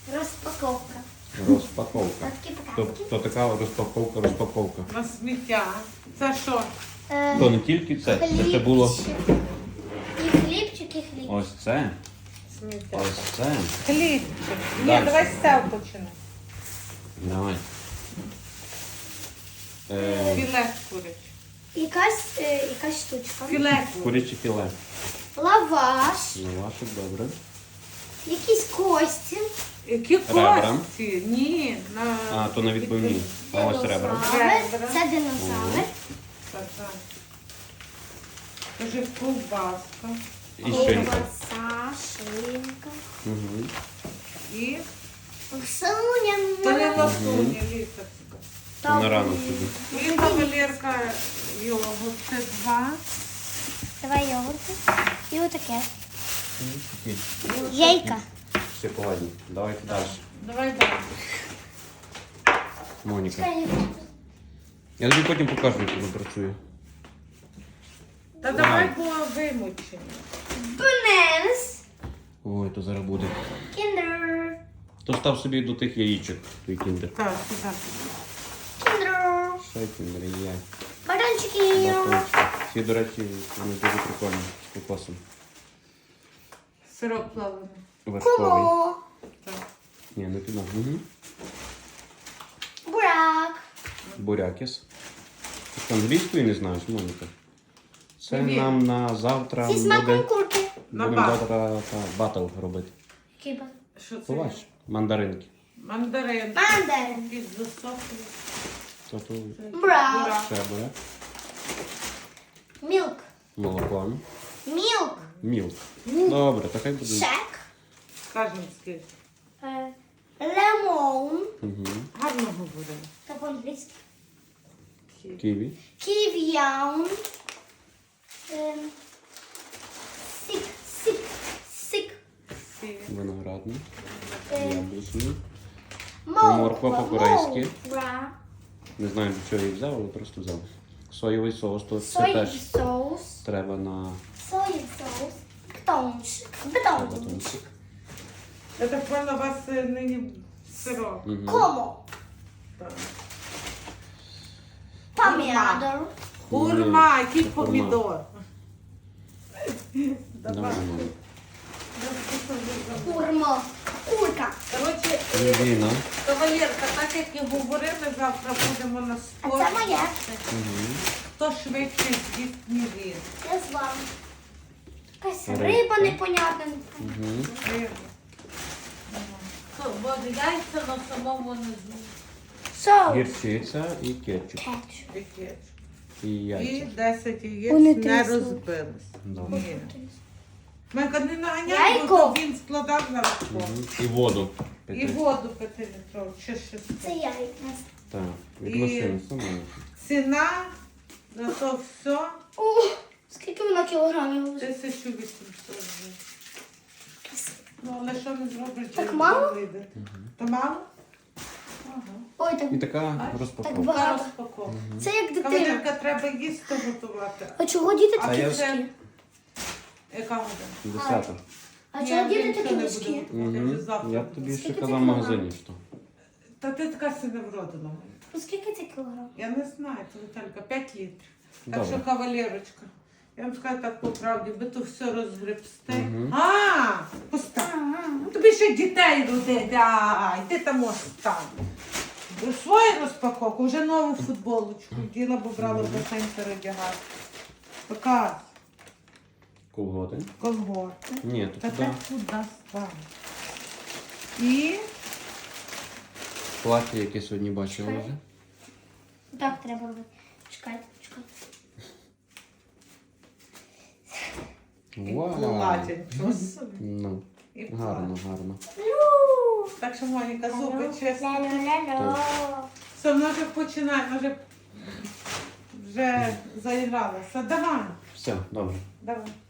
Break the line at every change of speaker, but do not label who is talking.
Розпаковка.
Розпаковка.
Такі-паки.
То така розпаковка.
На сміття. Це що?
То не тільки це ще було
І хлібчик, і хліб.
ось це.
Сміття.
Ось це.
Хлібчик. Ні,
Дальше.
давай з цього починай.
Давай.
Філе куряче.
Якась штучка.
Філе куряче.
Куряче філе.
Лаваш.
Лавашик, добре.
Якісь кості.
Які
Ребра.
кості? Ні.
А, то на відбивні. А ось ребра.
Ребра.
Це динозавр.
Так. Кажи, ковбаска.
І шинка.
Ковбаса, шинка.
Угу.
І
Соня.
то не ласуня, літочка.
На рано собі.
І кавалерка йогурт. Це 2.
Давай йогурти. І отаке. Яйка.
Шоколадні. Давайте далі.
Давай далі.
Моніка. Я тобі потім покажу, як воно працює.
Та давай було вимучені.
Бенес.
Ой, то зараз буде.
Кіндер.
То став собі до тих яєчок, той кіндер.
Так, так.
Кіндер.
Що кіндер є?
Батончики.
Батончик. Всі, до речі, вони дуже прикольні з кокосом.
Сироп плавлений.
Вершковий.
Кумо.
Так.
Ні, не туди. Угу.
Бурак.
Бурякіс. Ти англійської не знаєш, Моніка? Це
Ні.
нам на завтра
Зі смаком
буде...
курки.
На
Будемо
бат.
завтра батл робити.
Киба.
Що це?
Побач, мандаринки.
Мандарин.
Мандарин.
Під засохлий.
То тут
Бурак.
ще буряк.
Мілк.
Молоко.
Мілк.
Мілк. Добре, то хай буде.
Шек.
Скажемо скільки.
Лемон.
Угу.
Гарно говоримо.
Та по-англійськи.
Ківі.
Ків'яун. Сік. Сік. Сік.
Сі.
Виноградний.
Е,
Яблучний.
Морква.
по-корейськи.
Морква.
Не знаю, для чого я їх взяв, але просто взяв. Соєвий соус, то це
Соєвий
теж
соус.
треба на
Соєвий соус. Бетончик. Бетончик.
батончик.
Я так поняла, у вас нині сироп.
Угу.
Комо.
Так.
Помідор.
Хурма, який
це
помідор.
Давай.
Курма. Курка.
Коротше,
Віна.
кавалерка, так як і говорили, завтра будемо на
А
спорт.
це моє.
Угу.
Хто швидше з'їсть він.
Я з вами. Якась
Рибка.
риба непонятна.
Угу.
Бо яйця на самому не знаю.
Соус.
Гірчиця і кетчуп.
Кетчуп.
І
І
яйця.
10 яєць
Вони
не
трясуть.
розбились.
Добре.
Ні. Майка не наганяй,
Яйко.
бо то він складав на розпор.
Угу. І воду.
І
пити.
воду 5-літрову, чи 6.
Це яйка.
Так, від
І-
машини самої.
Ціна на то все
О, скільки вона кілограмів?
1800 гривень. Ну, але що не зробиш?
Так
чи
мало?
вийде? То мало? Ага.
Ой, так,
І така
так
розпаковка.
Та
багато.
розпаковка.
Це як дитина.
Кавалерка, треба їсти готувати.
А чого діти
А
такі
я-
вузькі?
Яка година?
10.
А
Ні,
чого
я
діти
нічого
такі
не
вузькі?
буду готувати,
Угу.
вже завтра
Я
буду.
тобі ще
Скільки
казав
це
в магазині, що.
Та ти така си не вродила.
Ну скільки це кілограм?
Я не знаю, це Віталька, 5 літрів. Так
Добре.
що, кавалерочка, я вам скажу так по правді, ви то все розгребсте.
Мгм.
Постав. Ну, тобі ще дітей родити, ай, ти там можеш там. Свою розпаковку, вже нову футболочку. Діла, бо брала басейн передягати. Показ,
Колготи?
колгорти.
Ні,
Та
то
так
туди
куди стане. І
плаття, яке сьогодні бачила вже.
Так треба робити. Чекайте, чекайте.
Вау!
платять. Що собі.
Ну,
І
гарно, гарно.
Так що, Моніка, зуби чесно.
Ля-ля-ля-ля.
Все, вона вже починає, вона вже заігралася. Давай,
Все, добре.
давай.